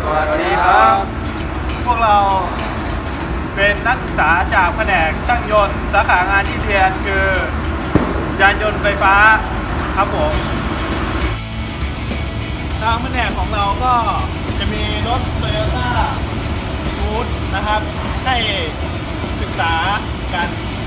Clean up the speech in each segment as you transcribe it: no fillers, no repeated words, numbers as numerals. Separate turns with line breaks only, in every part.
สวัสดีครับ
พวกเราเป็นนักศึกษาจากแผนกช่างยนต์สาขางานที่เรียนคือยานยนต์ไฟฟ้าครับผมทางแผนกของเราก็จะมีรถ Toyota Root นะครับให้ศึกษากัน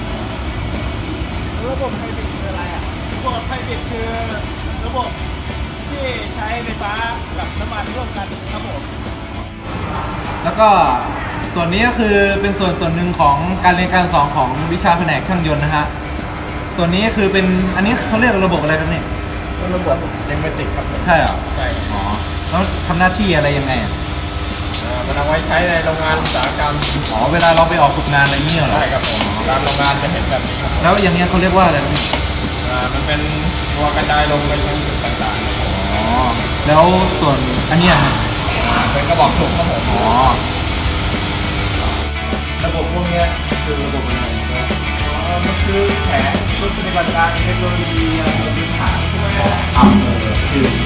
ระบบไฮบริดคืออะไรอ่ะระบบไฮบริดคือระบบที่ใช้ไฟฟ้ากับน้ำมันร่วมกันครับผม
แล้วก็ส่วนนี้ก็คือเป็นส่วนหนึ่งของการเรียนการสอนของวิชาแผนกช่างยนต์นะฮะส่วนนี้ก็คือเป็นอันนี้เขาเรียกระบบอะไรครับเนี่ย
ระบบเดมเมติกครับ
ใช่เหรอ
ใช่
อ๋อแล้วทำหน้าที่อะไรยังไงอ่ะ
มันเอาไว้ใช้ในโรงงานอุตสาหกรรม
อ๋อเวลาเราไปออกฝึกงานอะไรเงี้ยเหรอ
ใช่ครับตามโรงงานจะเห็นแบบนี้ครับ
แล้วอย่างเงี้ยเขาเรียกว่าอะไรครับเนี่ย
มันเป็นตัวกระจายลงไปยังจุดต่างๆ
อ๋อแล้วส่วนอันเนี้ยครับ
เป็นกระบอกสูบครับผม
อ๋อระบบพวกเนี้ยคือระบบอะไรครับ
มันคือแผนชุดปฏิบัติการเทคโนโลยีอะไรพื้นฐานพวกนี้
ชื่อ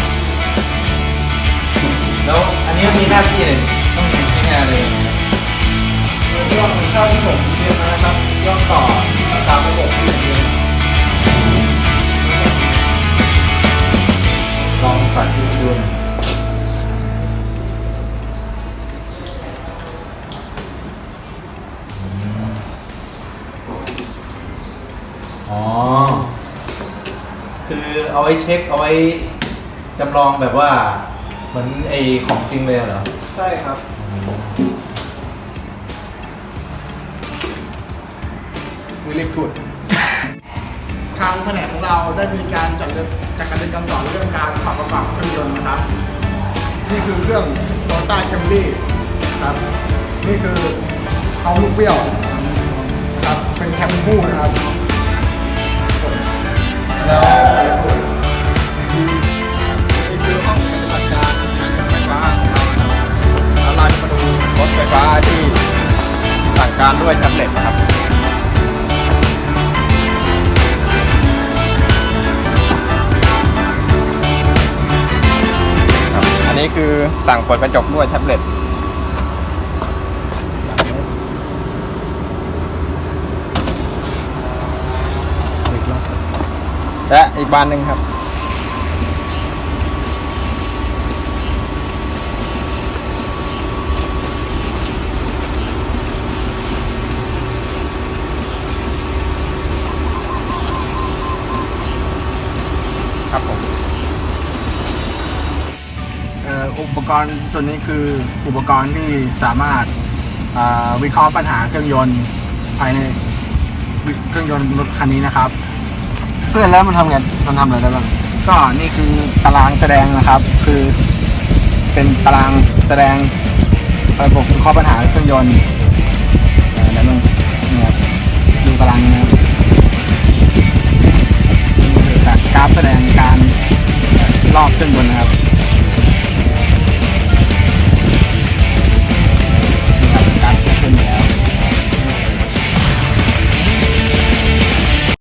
แล้วอันนี้มีหน้าที่อะไรต้องทำงานเลย
เรื่องเท่าที่ผมเรียนมานะครับเรื่องต่อตามระบบที่เรียน
ลองสั่นที่ดูหน่อยอ๋อ คือเอาไว้เช็คเอาไว้จำลองแบบว่าเหมือนไอของจริงเลยเหรอ
ใช่ครับวิลลี่กูดทางแผนกของเราได้มีการจัดการเรียนการสอนเรื่องการขับประกอบเครื่องยนต์นะครับ นี่คือเครื่อง Toyota Camry ครับ นี่คือเอาลูกเบี้ยวครับ เป็นแคมคู่นะครับ
แล้ว
นี่คือห้องปฏิบัติการงานไฟฟ้าของเรานะครับแล้วเราจะมาดูรถไฟฟ้าที่สั่งการด้วยแท็บเล็ตนะครับ อันนี้คือสั่งเปิดกระจกด้วยแท็บเล็ตและอีกบานหนึ่งครับครับผม
อุปกรณ์ตัวนี้คืออุปกรณ์ที่สามารถวิเคราะห์ปัญหาเครื่องยนต์ภายในเครื่องยนต์รถคันนี้นะครับ
เพื่อนแล้วมันทำไงมันทำอะไรได้บ้าง
ก็นี่คือตารางแสดงนะครับ คือเป็นตารางแสดงระบบวิเคราะห์ปัญหาเครื่องยนต์แล้วนึงเนี่ยครับดูตารางนี้นะครับนี่คือกราฟแสดงการรอบเครื่องยนต์นะครับ